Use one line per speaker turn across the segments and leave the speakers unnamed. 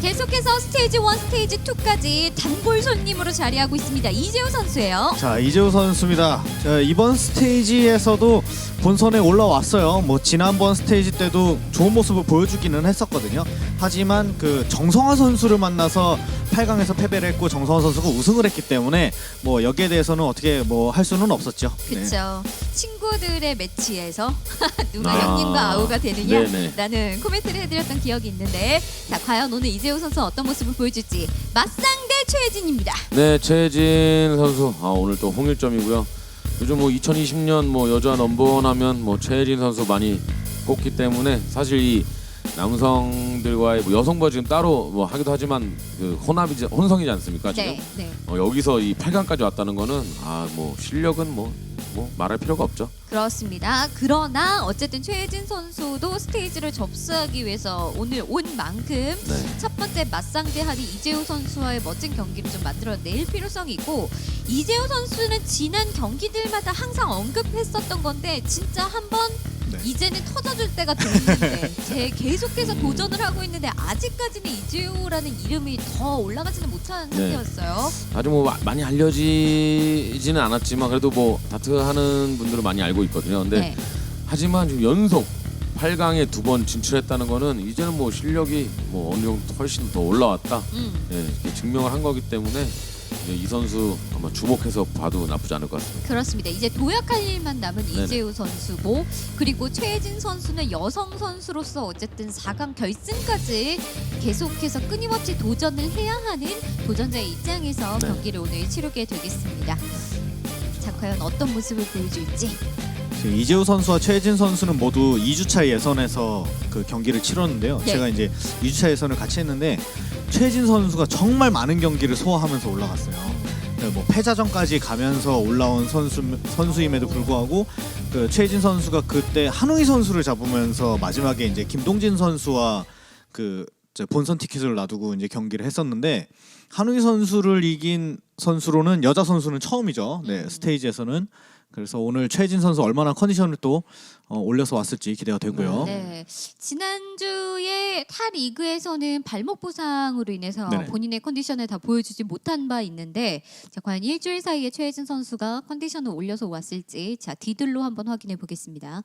계속해서 스테이지 1, 스테이지 2까지 단골 손님으로 자리하고 있습니다. 이재우 선수예요.
자, 이재우 선수입니다. 자, 이번 스테이지에서도 본선에 올라왔어요. 뭐 지난번 스테이지 때도 좋은 모습을 보여주기는 했었거든요. 하지만 그 정성화 선수를 만나서 8강에서 패배를 했고 정성화 선수가 우승을 했기 때문에 뭐 여기에 대해서는 어떻게 뭐 할 수는 없었죠.
그렇죠. 친구들의 매치에서 누가 형님과 아우가 되느냐
네네.
라는 코멘트를 해드렸던 기억이 있는데, 자, 과연 오늘 이재우 선수 어떤 모습을 보여줄지 맞상대 최혜진입니다.
네, 최혜진 선수 오늘 또 홍일점이고요. 요즘 뭐 2020년 뭐 여자 넘버원 하면 뭐 최혜진 선수 많이 꼽기 때문에 사실 이 남성들과의 뭐 여성부 지금 따로 뭐 하기도 하지만 그 혼성이지 않습니까 지금?
네.
여기서 이 8강까지 왔다는 거는 뭐 실력은 뭐 말할 필요가 없죠.
그렇습니다. 그러나 어쨌든 최혜진 선수도 스테이지를 접수하기 위해서 오늘 온 만큼
네.
첫 번째 맞상대하는 이재우 선수와의 멋진 경기를 좀 만들어낼 필요성이 있고, 이재우 선수는 지난 경기들마다 항상 언급했었던 건데 진짜 한번
네.
이제는 터져줄 때가 됐는데 계속해서 도전을 하고 있는데 아직까지는 이재우라는 이름이 더 올라가지는 못한
네.
상태였어요.
아주 뭐 많이 알려지지는 않았지만 그래도 뭐 다트하는 분들은 많이 알고 있거든요. 근데
네.
하지만 지금 연속 8강에 2번 진출했다는 거는 이제는 뭐 실력이 뭐 어느 정도 훨씬 더 올라왔다. 이렇게 증명을 한 거기 때문에 이제 이 선수 아마 주목해서 봐도 나쁘지 않을 것 같습니다.
그렇습니다. 이제 도약할 일만 남은
네네.
이재우 선수고, 그리고 최혜진 선수는 여성 선수로서 어쨌든 4강 결승까지 계속해서 끊임없이 도전을 해야 하는 도전자의 입장에서
네.
경기를 오늘 치르게 되겠습니다. 자, 과연 어떤 모습을 보여줄지.
지금 이재우 선수와 최혜진 선수는 모두 2주차 예선에서 그 경기를 치렀는데요.
네.
제가 이제 2주차 예선을 같이 했는데 최혜진 선수가 정말 많은 경기를 소화하면서 올라갔어요. 네, 뭐 패자전까지 가면서 올라온 선수임에도 불구하고 그 최혜진 선수가 그때 한웅희 선수를 잡으면서 마지막에 이제 김동진 선수와 그 본선 티켓을 놔두고 이제 경기를 했었는데, 한웅희 선수를 이긴 선수로는 여자 선수는 처음이죠. 네, 스테이지에서는. 그래서 오늘 최혜진 선수 얼마나 컨디션을 또 올려서 왔을지 기대가 되고요.
네. 지난주에 타 리그에서는 발목 부상으로 인해서
네네.
본인의 컨디션을 다 보여주지 못한 바 있는데, 자, 과연 일주일 사이에 최혜진 선수가 컨디션을 올려서 왔을지 자 디들로 한번 확인해 보겠습니다.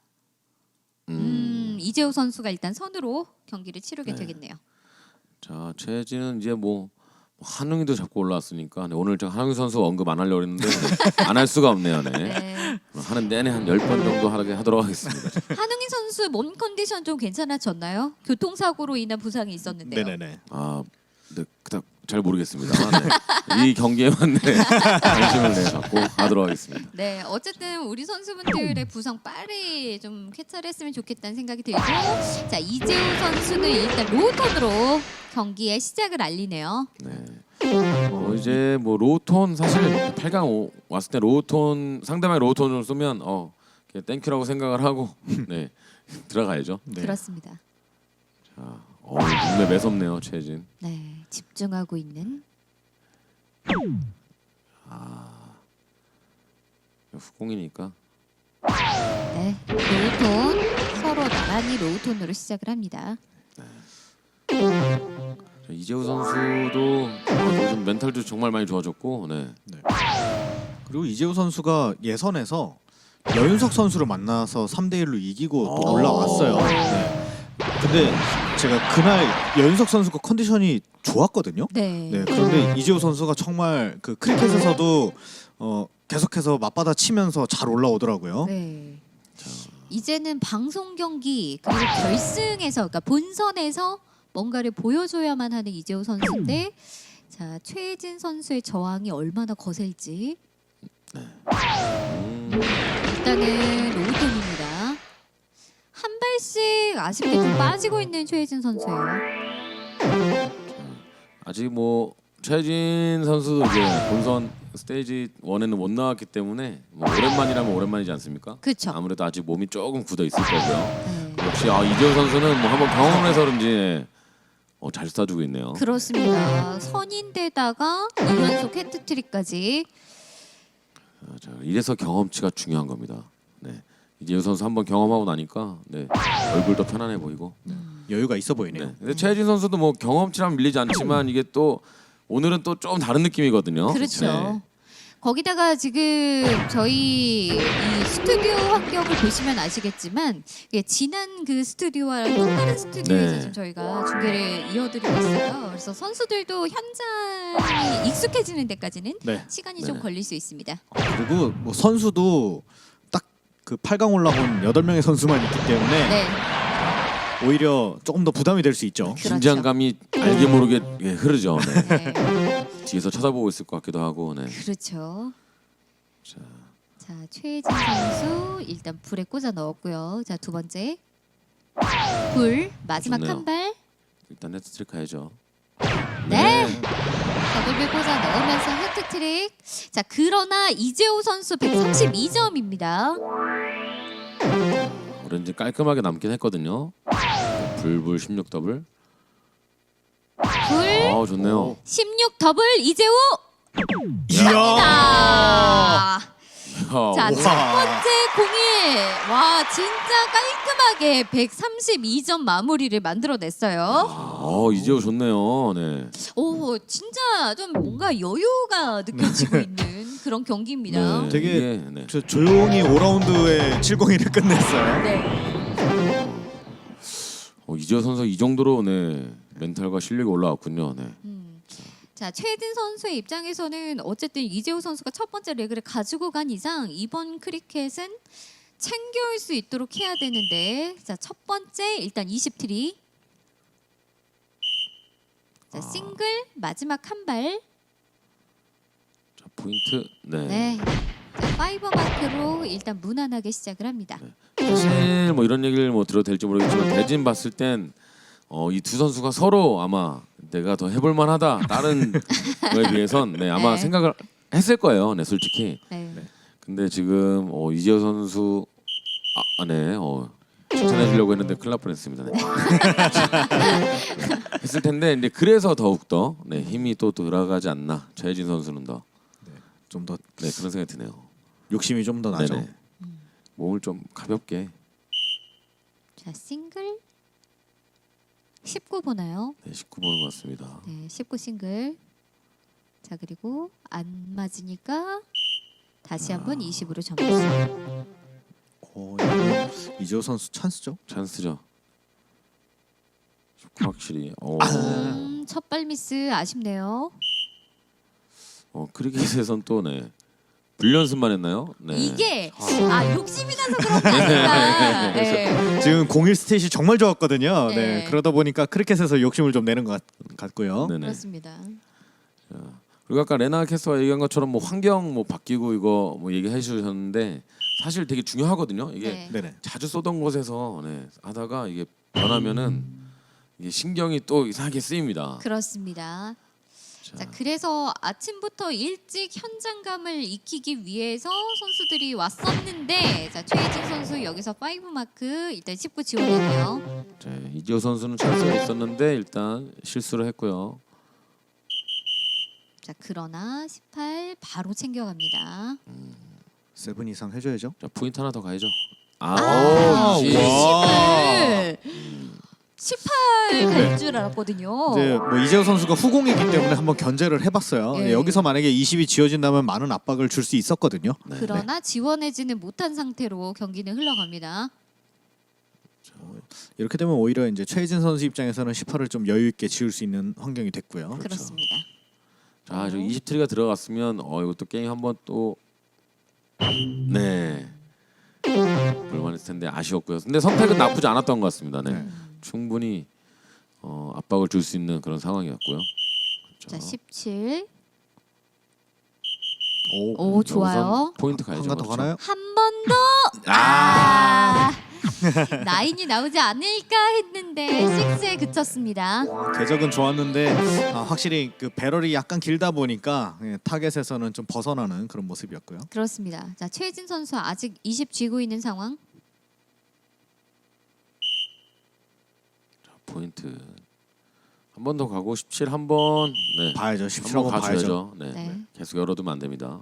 이재우 선수가 일단 선으로 경기를 치르게
네.
되겠네요.
자, 최혜진은 이제 뭐 한웅이도 잡고 올라왔으니까 오늘 제가 한웅이 선수 언급 안 하려고 했는데 안 할 수가 없네요. 네.
네.
하는 내내 한 10번 정도 하도록 하겠습니다.
한웅인 선수 몸 컨디션 좀 괜찮아졌나요? 교통사고로 인한 부상이 있었는데요.
네네네.
네, 그닥 잘 모르겠습니다. 네. 이 경기에만 관심을 갖고 하도록 하겠습니다.
네, 어쨌든 우리 선수분들의 부상 빨리 좀 쾌차했으면 좋겠다는 생각이 들고, 자, 이재우 선수는 일단 로우톤으로 경기의 시작을 알리네요.
네. 이제 뭐 로우톤 사실 8강 왔을 때 로우톤 상대방이 로우톤을 쏘면 그냥 땡큐라고 생각을 하고 네 들어가야죠.
네.
그렇습니다.
자, 눈에 매섭네요 최혜진.
네, 집중하고 있는.
후공이니까.
네, 로우톤 서로 나란히 로우톤으로 시작을 합니다.
자, 이재우 선수도 요즘 멘탈도 정말 많이 좋아졌고, 네.
그리고 이재우 선수가 예선에서 여윤석 선수를 만나서 3대1로 이기고 또 올라왔어요. 네. 근데 제가 그날 여윤석 선수가 컨디션이 좋았거든요.
네.
네, 그런데 이재우 선수가 정말 그 크리켓에서도 계속해서 맞받아 치면서 잘 올라오더라고요.
네. 이제는 방송 경기 그리고 결승에서, 그러니까 본선에서 뭔가를 보여줘야만 하는 이재우 선수인데, 자, 최혜진 선수의 저항이 얼마나 거셀지. 일단은 로우톤입니다. 한 발씩 아쉽게 좀 빠지고 있는 최혜진 선수예요.
아직 뭐 최혜진 선수도 이제 본선 스테이지 1에는 못 나왔기 때문에 뭐 오랜만이라면 오랜만이지 않습니까?
그렇죠.
아무래도 아직 몸이 조금 굳어 있을 거고요.
네.
역시 이재우 선수는 뭐 한번 경험을 해서 그런지 잘 쏴주고 있네요.
그렇습니다. 선인데다가 2연속 헤트트릭까지.
자, 이래서 경험치가 중요한 겁니다. 네. 이재우 선수 한번 경험하고 나니까 네, 얼굴도 편안해 보이고.
여유가 있어 보이네요.
네. 근데 최혜진 선수도 뭐 경험치랑 밀리지 않지만 이게 또 오늘은 또 좀 다른 느낌이거든요.
그렇죠.
네.
거기다가 지금 저희 이 스튜디오 환경을 보시면 아시겠지만 이게 지난 그 스튜디오와 또 다른 스튜디오에서
네.
지금 저희가 중계를 이어드리고 있어요. 그래서 선수들도 현장이 익숙해지는 데까지는
네.
시간이
네.
좀 걸릴 수 있습니다.
그리고 뭐 선수도 딱 그 8강 올라온 8명의 선수만 있기 때문에
네,
오히려 조금 더 부담이 될 수 있죠.
그렇죠.
긴장감이 알게 모르게 예, 흐르죠. 네.
네,
뒤에서 쳐다보고 있을 것 같기도 하고. 네.
그렇죠.
자,
자, 최혜진 선수 일단 불에 꽂아 넣었고요. 자, 두 번째 불 마지막
좋네요.
한 발.
일단 헤트트릭 가야죠.
네. 더블을 꽂아 넣으면서 해트트릭. 자, 그러나 이재호 선수 132점입니다.
오렌지 깔끔하게 남긴 했거든요. 불불 16 더블.
불
아 좋네요.
16 더블 이재호.
이야.
아. 자,
야,
첫 번째 공일. 와, 진짜 깔끔하게 132점 마무리를 만들어냈어요.
이재호 좋네요. 네.
오, 진짜 좀 뭔가 여유가 느껴지고 있는 그런 경기입니다.
네,
되게
이게, 네.
저 조용히 5라운드에 701을 끝냈어요.
네.
이재호 선수 이 정도로 네 멘탈과 실력이 올라왔군요. 네.
자, 최혜진 선수의 입장에서는 어쨌든 이재호 선수가 첫 번째 레그를 가지고 간 이상 이번 크리켓은 챙겨올 수 있도록 해야 되는데, 자, 첫 번째 일단 20트리. 자, 싱글 마지막 한 발.
자 포인트. 네.
네. 자, 파이버 마크로 일단 무난하게 시작을 합니다.
사실 뭐 이런 얘기를 뭐 들어도 될지 모르겠지만 대진 봤을 땐 이 두 선수가 서로 아마 내가 더 해볼 만하다 다른 거에 비해선 네 아마
네.
생각을 했을 거예요. 네 솔직히.
네.
근데 지금 이재호 선수 칭찬해 주려고 했는데 큰일 날 뻔했습니다. 네. 했을 텐데 이제 그래서 더욱 더 네, 힘이 또 들어가지 않나 최혜진 선수는 더
좀 더
네, 그런 생각이 드네요.
욕심이 좀 더 나죠.
네네. 몸을 좀 가볍게
자, 싱글 19 보나요?
네, 19 보는 것 같습니다.
네, 19 싱글. 자, 그리고 안 맞으니까 다시 한번 20으로 점수.
이거 이재호 선수 찬스죠?
찬스죠. 확실히
첫발 미스 아쉽네요.
크리켓에선 또 네. 불연습만 했나요? 네.
이게 욕심이 나서 그런 게 아니라. 네.
지금 01 스탯이 정말 좋았거든요.
네.
네. 그러다 보니까 크리켓에서 욕심을 좀 내는 것 같고요.
네네.
그렇습니다.
그리고 아까 레나 캐스터가 얘기한 것처럼 뭐 환경 뭐 바뀌고 이거 뭐 얘기해 주셨는데 사실 되게 중요하거든요. 이게
네.
네네.
자주 쏘던 곳에서 네, 하다가 이게 변하면은 이게 신경이 또 이상하게 쓰입니다.
그렇습니다. 자, 그래서 아침부터 일찍 현장감을 익히기 위해서 선수들이 왔었는데, 자, 최혜진 선수 여기서 5 마크 일단 19 지원했네요.
자, 이지호 선수는 찬스가 있었는데 일단 실수를 했고요.
자, 그러나 18 바로 챙겨갑니다.
7 이상 해줘야죠.
자, 포인트 하나 더 가야죠.
와.
18 갈 줄 알았거든요.
이제 뭐 이재호 선수가 후공이기 때문에 한번 견제를 해봤어요.
예.
여기서 만약에 20이 지어진다면 많은 압박을 줄 수 있었거든요.
네.
그러나 지원해지는 못한 상태로 경기는 흘러갑니다.
이렇게 되면 오히려 이제 최혜진 선수 입장에서는 18을 좀 여유 있게 지을 수 있는 환경이 됐고요.
그렇습니다.
자, 저 20트리가 들어갔으면 이것도 게임 한번 또 네. 볼만했을 텐데 아쉬웠고요. 근데 선택은 나쁘지 않았던 것 같습니다. 네. 충분히 압박을 줄 수 있는 그런 상황이었고요.
자, 17.
오,
오, 좋아요.
우선 포인트 가야죠.
한가 더
그렇죠?
가나요?
한 번 더. 나인이 나오지 않을까 했는데 6에 그쳤습니다.
궤적은 좋았는데 확실히 그 배럴이 약간 길다 보니까 타겟에서는 좀 벗어나는 그런 모습이었고요.
그렇습니다. 자, 최혜진 선수 아직 20 쥐고 있는 상황.
자, 포인트 한 번 더 가고 17 한번 네.
봐야죠. 17
한번
한번 봐야죠.
가줘야죠. 네.
네.
네. 계속 열어두면 안 됩니다.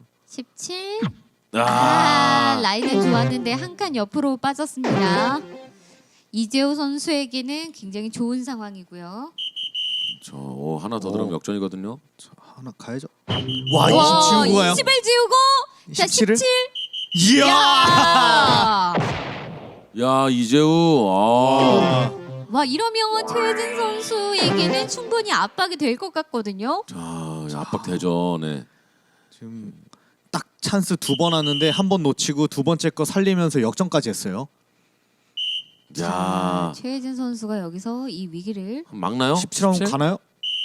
17. 라인은 좋았는데 한 칸 옆으로 빠졌습니다. 이재호 선수에게는 굉장히 좋은 상황이고요.
하나 더 들어가면 역전이거든요.
자, 하나 가야죠. 와, 20 지우고 가요.
20을 지우고 자
17을?
17.
이야.
야 이재우
와 이러면 최혜진 선수에게는 충분히 압박이 될 것 같거든요.
자 압박 되죠. 네.
지금 딱 찬스 2번 왔는데 한 번 놓치고 두 번째 거 살리면서 역전까지 했어요.
야
최혜진 선수가 여기서 이 위기를
막나요?
17라운드 가나요?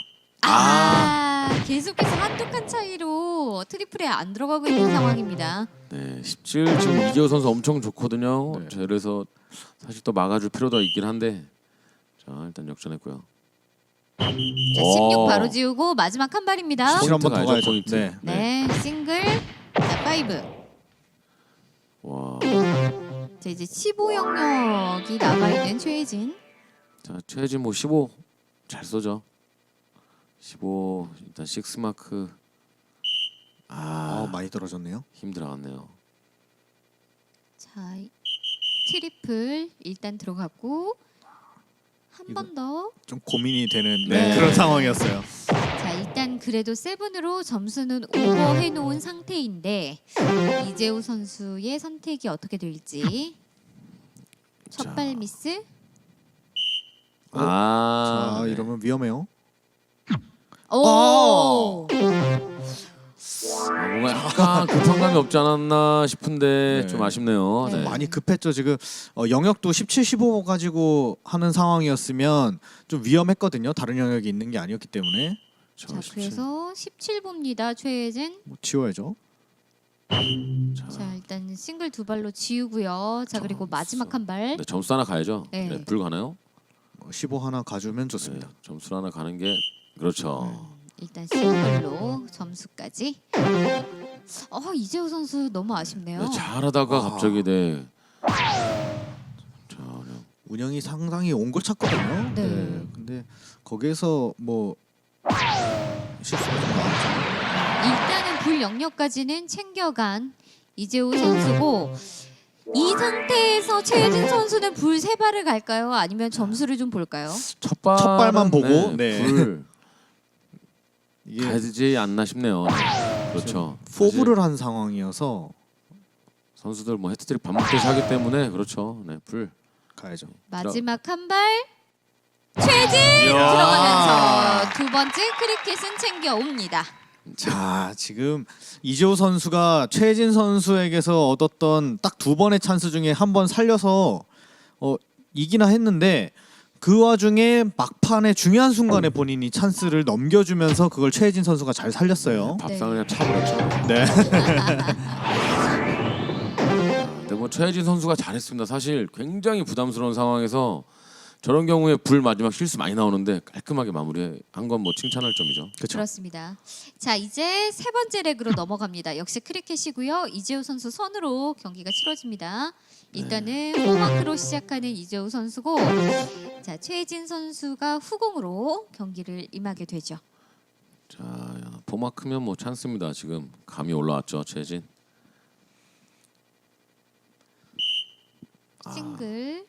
계속해서 한두 칸 차이로 트리플에 안 들어가고 있는 상황입니다.
네, 17 지금 이재호 선수 엄청 좋거든요.
네.
자, 그래서 사실 또 막아줄 필요도 있긴 한데 자 일단 역전했고요.
자 16 바로 지우고 마지막 한 발입니다.
17 한번 더
가야죠,
가야죠.
포인트.
네.
네 싱글 자 5.
와,
자 이제 15 영역이 남아 있는 최혜진.
자 최혜진 뭐 15 잘 쏘죠. 15 일단 6 마크
많이 떨어졌네요.
힘들어갔네요.
자 트리플 일단 들어갔고 한 번 더.
좀 고민이 되는
네.
그런 상황이었어요.
자 일단 그래도 7으로 점수는 오버해 놓은 상태인데 이재호 선수의 선택이 어떻게 될지. 첫 발 미스.
자,
네.
이러면 위험해요.
오.
뭔가 약간 급성감이 없지 않았나 싶은데
네.
좀 아쉽네요.
네.
네.
많이 급했죠. 지금 영역도 17, 15 가지고 하는 상황이었으면 좀 위험했거든요. 다른 영역이 있는 게 아니었기 때문에
저
자
17.
그래서 17 봅니다 최혜진.
뭐 지워야죠.
자 일단 싱글 2발로 지우고요. 자 그리고 마지막 한 발.
네, 점수 하나 가야죠.
네.
네, 불 가나요?
15 하나 가주면 좋습니다.
네, 점수 하나 가는 게 그렇죠.
일단 싱글로 점수까지. 이재호 선수 너무 아쉽네요.
네, 잘하다가
아.
갑자기 네. 자, 그냥
운영이 상당히 옹골 찼거든요.
네.
근데 거기에서 뭐 실수가 좀 나왔죠.
일단은 불 영역까지는 챙겨간 이재호 선수고 이 상태에서 최혜진 선수는 불 3발을 갈까요? 아니면 점수를 좀 볼까요?
첫
발만 보고, 네.
불
이게
가지 않나 싶네요. 네. 그렇죠.
포브를 한 상황이어서
사실 선수들 뭐 헤트트릭 밥 먹듯이 하기 때문에 그렇죠. 네, 불.
가야죠.
마지막 한 발. 최혜진 들어가면서 두 번째 크리켓은 챙겨옵니다.
자, 지금 이재호 선수가 최진 선수에게서 얻었던 딱 2번의 찬스 중에 한 번 살려서 이기나 했는데 그 와중에 막판에 중요한 순간에 본인이 찬스를 넘겨주면서 그걸 최진 선수가 잘 살렸어요.
밥상을 그냥 차버렸죠.
네.
근데 뭐 최혜진 선수가 잘했습니다. 사실 굉장히 부담스러운 상황에서 저런 경우에 불 마지막 실수 많이 나오는데 깔끔하게 마무리한 건 뭐 칭찬할 점이죠.
그렇죠.
그렇습니다. 자 이제 세 번째 렉으로 넘어갑니다. 역시 크리켓이고요. 이재호 선수 선으로 경기가 치러집니다. 일단은 포마크로 시작하는 이재호 선수고, 자 최혜진 선수가 후공으로 경기를 임하게 되죠.
자, 포마크면 뭐 찬스입니다. 지금 감이 올라왔죠, 최혜진.
싱글.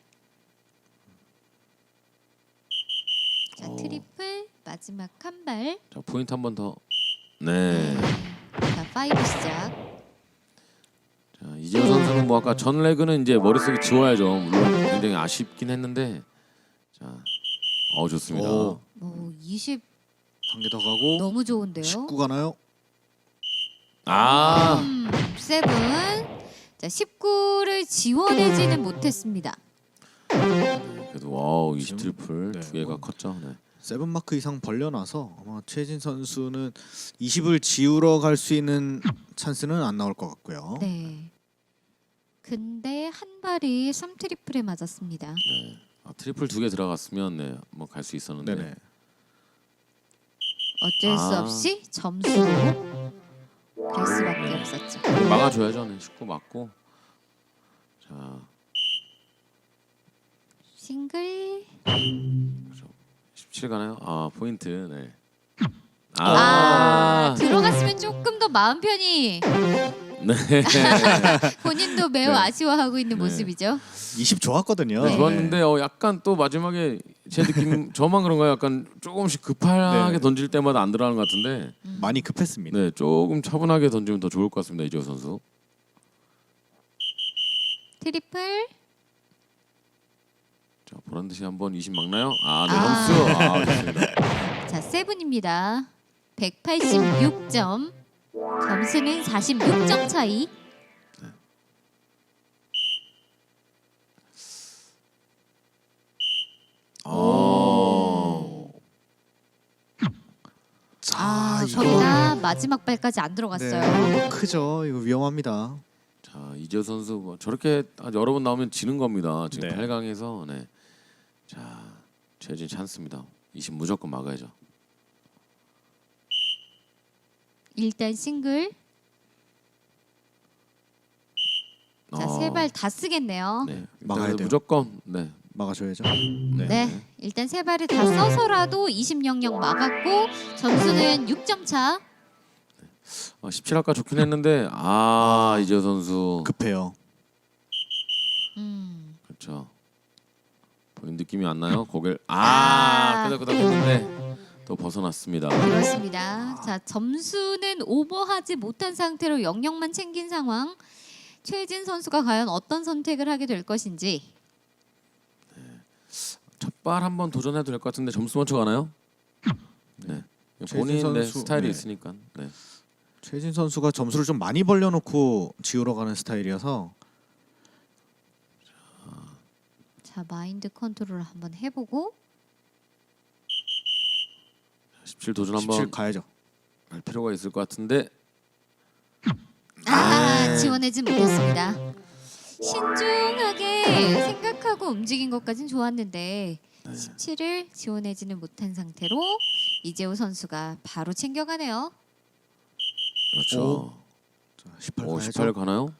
자 트리플 마지막 한 발.
자, 포인트 한 번 더. 네.
자 5 시작.
자, 이재호 선수는 뭐 아까 전 레그는 이제 머릿속에 지워야죠. 물론 굉장히 아쉽긴 했는데. 자, 좋습니다.
오.
20
한 개 더 가고
너무 좋은데요.
19 가나요?
아,
7. 자 19를 지원하지는 못했습니다.
그래도 와우 20 트리플
네,
두 개가
뭐.
컸죠. 네.
7마크 이상 벌려놔서 아마 최진 선수는 20을 지우러 갈 수 있는 찬스는 안 나올 것 같고요.
네. 근데 한 발이 3 트리플에 맞았습니다.
네. 트리플 두 개 들어갔으면 네, 뭐 갈 수 있었는데.
네네.
어쩔 수 없이 점수로 갈 수밖에 없었죠.
막아줘야죠. 네. 19 맞고. 자,
싱글.
17 가나요? 포인트. 네.
들어갔으면 조금 더 마음 편히
네.
본인도 매우
네.
아쉬워하고 있는
네.
모습이죠.
20 좋았거든요.
네.
좋았는데 약간 또 마지막에 제 느낌 저만 그런가요? 약간 조금씩 급하게
네.
던질 때마다 안 들어가는 것 같은데
많이 급했습니다.
네 조금 차분하게 던지면 더 좋을 것 같습니다 이재호 선수.
트리플.
자 보란 듯이 한번 20 막나요? 네
아.
점수 좋습니다.
자, 세븐입니다. 186점. 점수는 46점 차이.
자,
거기다 마지막 발까지 안 들어갔어요.
네, 이거 크죠. 이거 위험합니다.
자 이재호 선수 뭐 저렇게 여러 번 나오면 지는 겁니다. 지금
네.
8강에서 네. 자 최진 찬스입니다. 20 무조건 막아야죠.
일단 싱글. 자, 세 발 다 쓰겠네요.
네
막아야
일단은
돼요.
무조건 네.
막아줘야죠.
네. 일단 세 발을 다 써서라도 20-00 막았고 점수는 6점 차.
17 아까 좋긴 했는데 이재호 선수
급해요.
그렇죠. 본인 느낌이 안 나요? 고개를
아.
끄덕끄덕 했는데 또 벗어났습니다.
그렇습니다. 자, 점수는 오버하지 못한 상태로 0-0만 챙긴 상황. 최진 선수가 과연 어떤 선택을 하게 될 것인지.
첫발 한번 도전해도 될 것 같은데 점수 먼저 가나요? 네.
최진
본인
선수,
스타일이
네.
있으니까. 네.
최진 선수가 점수를 좀 많이 벌려놓고 지우러 가는 스타일이어서
자, 마인드 컨트롤을 한번 해보고.
17 도전
17
한번
가야죠.
할 필요가 있을 것 같은데.
지원하지 못했습니다. 신중하게 생각하고 움직인 것까진 좋았는데 17을 지원하지는 못한 상태로 이재호 선수가 바로 챙겨가네요.
그렇죠.
자, 18
오,
가야죠.
18 가나요?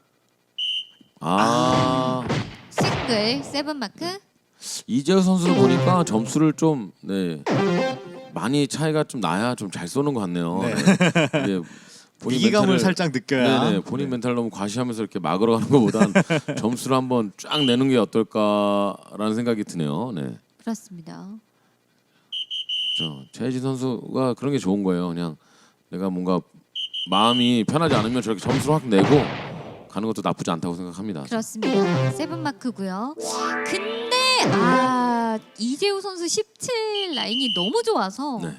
싱글 세븐 마크.
이재호 선수를 보니까 점수를 좀 많이 차이가 좀 나야 좀 잘 쏘는 것 같네요.
네.
이게 본인
위기감을
멘탈을-
살짝 느껴야.
네네 본인 멘탈 너무 과시하면서 이렇게 막으러 가는 것보단 점수를 한번 쫙 내는 게 어떨까라는 생각이 드네요. 네,
그렇습니다.
그렇죠. 최혜진 선수가 그런 게 좋은 거예요. 그냥 내가 뭔가 마음이 편하지 않으면 저렇게 점수를 확 내고 가는 것도 나쁘지 않다고 생각합니다.
그렇습니다. 세븐 마크고요. 근데 이재호 선수 17 라인이 너무 좋아서
네.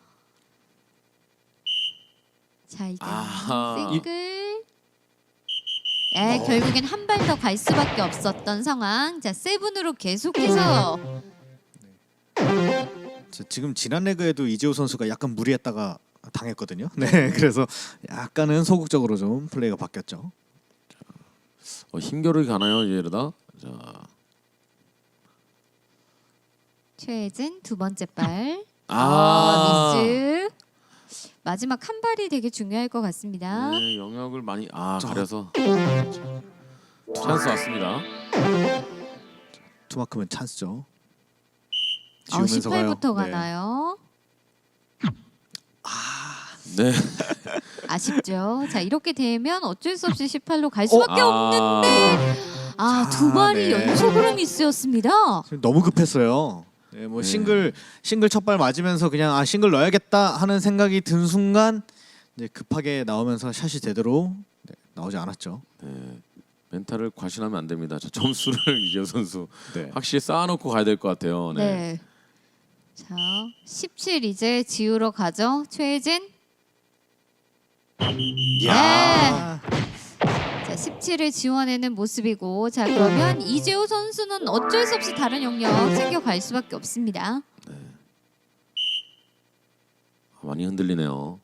자, 일단
아하.
싱글. 결국엔 한 발 더 갈 수밖에 없었던 상황. 자, 세븐으로 계속해서
자, 지금 지난 레그에도 이재호 선수가 약간 무리했다가 당했거든요. 네, 그래서 약간은 소극적으로 좀 플레이가 바뀌었죠.
힘겨루기 가나요 이제 이러다? 자,
최혜진 두 번째 발.
아,
미스. 마지막 한 발이 되게 중요할 것 같습니다.
네, 영역을 많이
자.
가려서 찬스 왔습니다.
투마크면 찬스죠.
18부터
가요.
가나요?
네.
아쉽죠. 자, 이렇게 되면 어쩔 수 없이 18로 갈 수밖에
아.
없는데 두 발이
네.
연속으로 미스였습니다.
지금 너무 급했어요. 네, 뭐
네.
싱글 첫 발 맞으면서 그냥 싱글 넣어야겠다 하는 생각이 든 순간 이제 급하게 나오면서 샷이 제대로 나오지 않았죠.
네. 멘탈을 과신하면 안 됩니다. 저 점수를 이재호 선수
네.
확실히 쌓아놓고 가야 될 것 같아요. 네.
네. 자, 17 이제 지우러 가죠. 최혜진.
야.
자, 17을 지원하는 모습이고, 자, 그러면 이재호 선수는 어쩔 수 없이 다른 영역 챙겨갈 수밖에 없습니다.
많이 흔들리네요.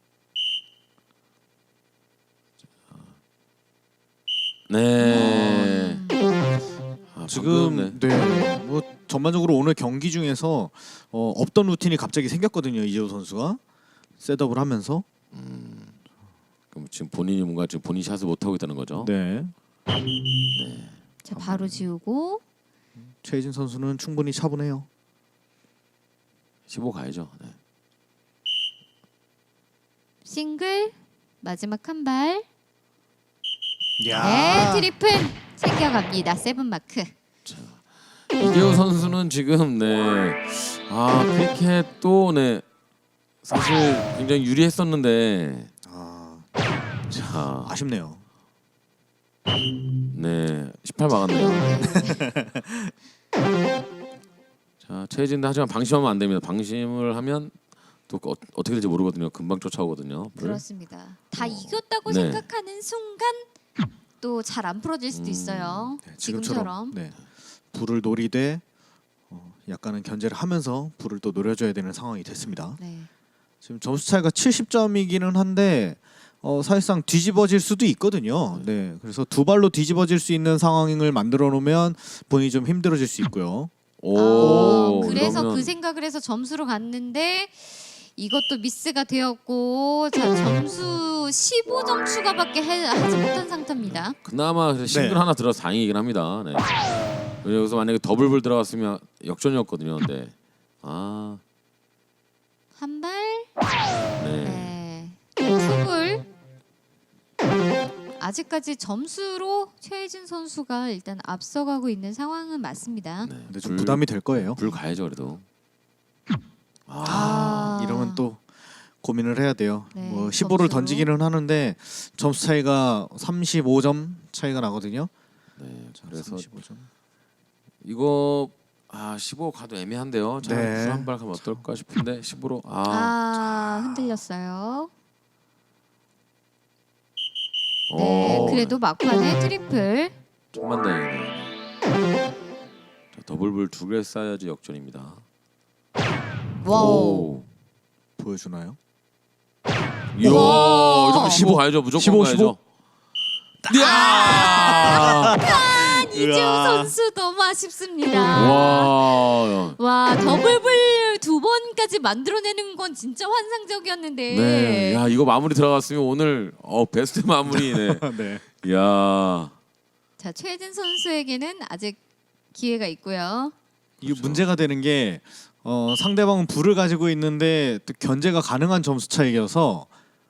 네.
지금
방금,
뭐 전반적으로 오늘 경기 중에서 없던 루틴이 갑자기 생겼거든요. 이재호 선수가 셋업을 하면서.
그럼 지금 본인이 뭔가 지금 본인 샷을 못 하고 있다는 거죠.
네.
자, 바로 지우고,
최혜진 선수는 충분히 차분해요.
15 가야죠. 네.
싱글, 마지막 한 발. 네, 트리플 챙겨갑니다. 세븐 마크.
이재호 선수는 지금 크리켓도 사실 굉장히 유리했었는데 자,
아쉽네요.
18 막았네요. 자, 최혜진도 하지만 방심하면 안 됩니다. 방심을 하면 또 어떻게 될지 모르거든요. 금방 쫓아오거든요.
그렇습니다. 다 이겼다고
네.
생각하는 순간 또 잘 안 풀어질 수도 있어요.
네,
지금처럼.
네. 불을 노리되 약간은 견제를 하면서 불을 또 노려줘야 되는 상황이 됐습니다.
네.
지금 점수 차이가 70점이기는 한데 사실상 뒤집어질 수도 있거든요. 네, 그래서 두 발로 뒤집어질 수 있는 상황을 만들어 놓으면 본인이 좀 힘들어질 수 있고요.
그래서
이러면
그 생각을 해서 점수로 갔는데 이것도 미스가 되었고 자 점수 15점 추가밖에 하지 못한 상태입니다.
그나마 싱글 하나 들어서 다행이긴 합니다. 네. 여기서 만약에 더블불 들어갔으면 역전이었거든요. 근데
한 발.
네.
투불. 아직까지 점수로 최혜진 선수가 일단 앞서가고 있는 상황은 맞습니다.
네.
근데 좀 부담이 될 거예요.
불 가야죠 그래도.
이러면 또 고민을 해야 돼요.
네,
뭐
점수로.
15를 던지기는 하는데 점수 차이가 35점 차이가 나거든요.
네.
자,
그래서
35점.
이거 15 가도 애매한데요. 자,
네.
불한발 가면 어떨까 싶은데 15로
흔들렸어요. 네, 그래도 막판에 트리플.
천만다행이네요. 자, 더블불 2개 쌓아야지 역전입니다.
와우.
보여주나요?
이야, 이러면 15 가야죠. 무조건
15,
가야죠. 이야!
이재호 선수 너무 아쉽습니다.
와.
더블불 2번까지 만들어내는 건 진짜 환상적이었는데.
네. 야, 이거 마무리 들어갔으면 오늘 베스트 마무리네.
네.
야.
자, 최혜진 선수에게는 아직 기회가 있고요.
이게 문제가 되는 게 상대방은 불을 가지고 있는데 또 견제가 가능한 점수 차이여서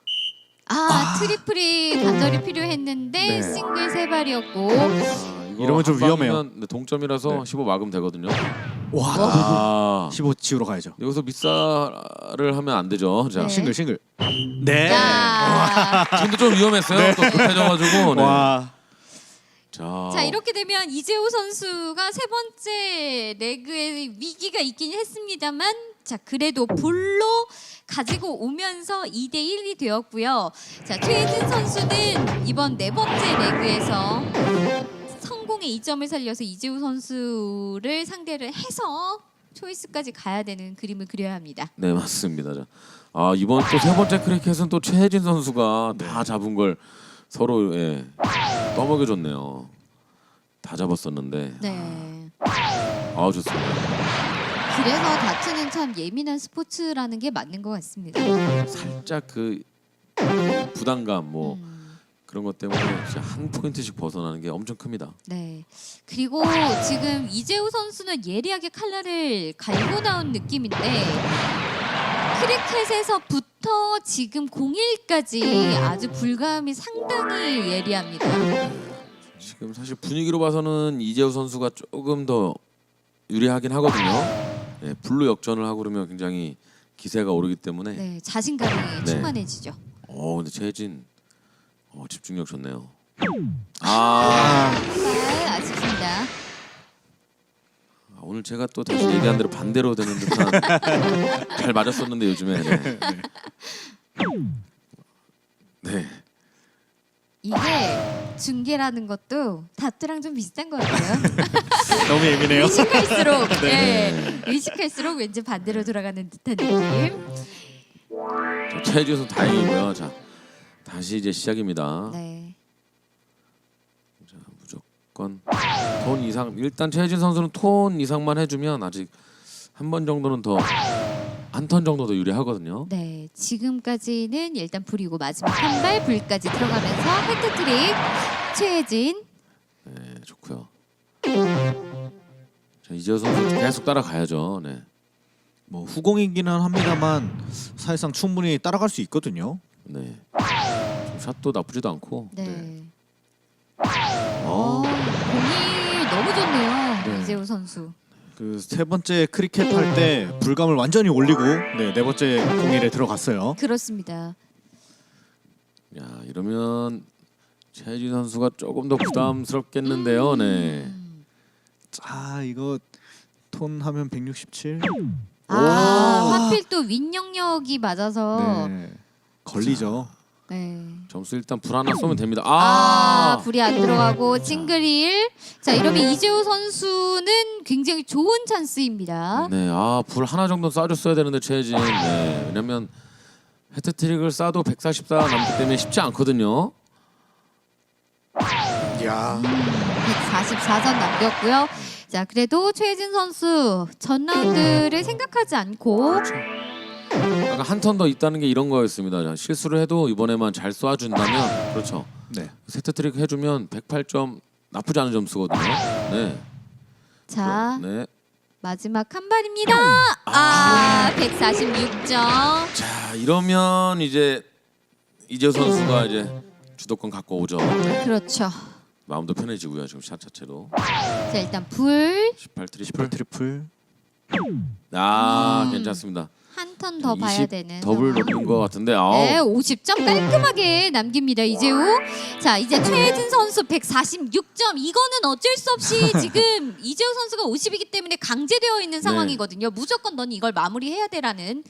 트리플이 간절히 필요했는데
네.
싱글 3발이었고.
이거
이러면 좀
한 방이면
위험해요.
동점이라서
네.
15 막으면 되거든요.
와, 15 치우러 가야죠.
여기서 밑살을 하면 안 되죠. 자,
네.
싱글. 네.
야.
지금도 좀 위험했어요. 또 급해져가지고. 네.
와.
자, 이렇게 되면 이재호 선수가 세 번째 레그에 위기가 있긴 했습니다만 자, 그래도 불로 가지고 오면서 2대 1이 되었고요. 자, 최혜진 선수는 이번 네 번째 레그에서 성공의 2점을 살려서 이재호 선수를 상대를 해서 초이스까지 가야 되는 그림을 그려야 합니다.
네, 맞습니다. 자, 이번 또 세 번째 크리켓은 또 최혜진 선수가 다 잡은 걸 서로 떠먹여줬네요. 다 잡았었는데.
네.
좋습니다.
그래서 다트는 참 예민한 스포츠라는 게 맞는 것 같습니다.
살짝 그 부담감 그런 것 때문에 진짜 한 포인트씩 벗어나는 게 엄청 큽니다.
네. 그리고 지금 이재호 선수는 예리하게 칼날을 갈고 나온 느낌인데 크리켓에서부터 지금 01까지 아주 불감이 상당히 예리합니다.
지금 사실 분위기로 봐서는 이재호 선수가 조금 더 유리하긴 하거든요. 네, 블루 역전을 하고 그러면 굉장히 기세가 오르기 때문에.
네, 자신감이 충만해지죠.
근데 최혜진 집중력 좋네요.
아쉽습니다.
오늘 제가 또 다시 얘기한 대로 반대로 되는 듯한 잘 맞았었는데 요즘에. 네.
이게 중계라는 것도 다트랑 좀 비슷한 것 같아요.
너무 예민해요.
의식할수록 의식할수록 왠지 반대로 돌아가는 듯한 느낌.
최혜진 선수 다행이고요. 자, 다시 이제 시작입니다.
네.
자, 무조건 톤 이상. 일단 최혜진 선수는 톤 이상만 해주면 아직 한 번 정도는 더 한 턴 정도 더 유리하거든요.
네, 지금까지는 일단 불이고 마지막 한 발 불까지 들어가면서 헤트트릭 최혜진.
네, 좋고요. 자, 이재호 선수 계속 따라가야죠. 네.
뭐 후공이기는 합니다만 사실상 충분히 따라갈 수 있거든요.
네. 좀 샷도 나쁘지도 않고.
네. 공이 너무 좋네요.
네.
이재호 선수.
그 세 번째 크리켓 할 때 불감을 완전히 올리고 네 번째 공일에 들어갔어요.
그렇습니다.
야, 이러면 최혜진 선수가 조금 더 부담스럽겠는데요. 네.
자, 이거 톤 하면 167.
아, 하필 또 윈영역이 맞아서
네. 걸리죠.
네.
점수 일단 불 하나 쏘면 됩니다.
불이 안 들어가고 싱글일. 자, 이러면 이재호 선수는 굉장히 좋은 찬스입니다.
네, 불 하나 정도 쏴줬어야 되는데 최혜진. 네, 왜냐면 헤트트릭을 쏴도 144 남기 때문에 쉽지 않거든요.
야.
144점 남겼고요. 자, 그래도 최혜진 선수 전 라운드를 생각하지 않고
약간 한 턴 더 있다는 게 이런 거였습니다. 자, 실수를 해도 이번에만 잘 쏴준다면 그렇죠.
네.
헤트트릭 해주면 108점 나쁘지 않은 점수거든요. 네.
자,
네.
마지막 한 발입니다. 146점.
자, 이러면 이제 이재호 선수가 이제 주도권 갖고 오죠.
그렇죠.
마음도 편해지고요. 지금 샷 자체도
자, 일단 불
18 트리플.
트리플.
괜찮습니다.
한 턴 더 봐야
20
되는
더블
상황.
높은 것 같은데.
네, 50점 깔끔하게 남깁니다. 이재호. 자, 이제 최혜진 선수 146점. 이거는 어쩔 수 없이 지금 이재호 선수가 50이기 때문에 강제되어 있는 상황이거든요. 무조건 넌 이걸 마무리해야 돼라는.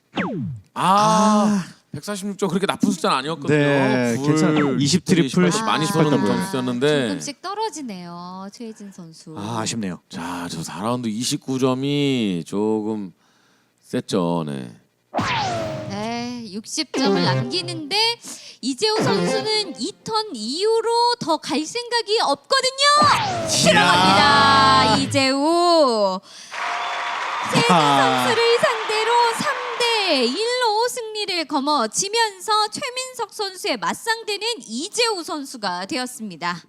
146점 그렇게 나쁜 숫자는 아니었거든요.
네, 괜찮아요. 20 트리플,
10 많이 쏘는
18
점수였는데.
조금씩 떨어지네요. 최혜진 선수.
아쉽네요.
자, 저 4라운드 29점이 조금 셌죠. 네.
네, 60점을 남기는데 이재호 선수는 2턴 이후로 더 갈 생각이 없거든요. 들어갑니다. 이재호. 최혜진 선수를 상대로 3대 1로 승리를 거머쥐면서 최민석 선수의 맞상대는 이재호 선수가 되었습니다.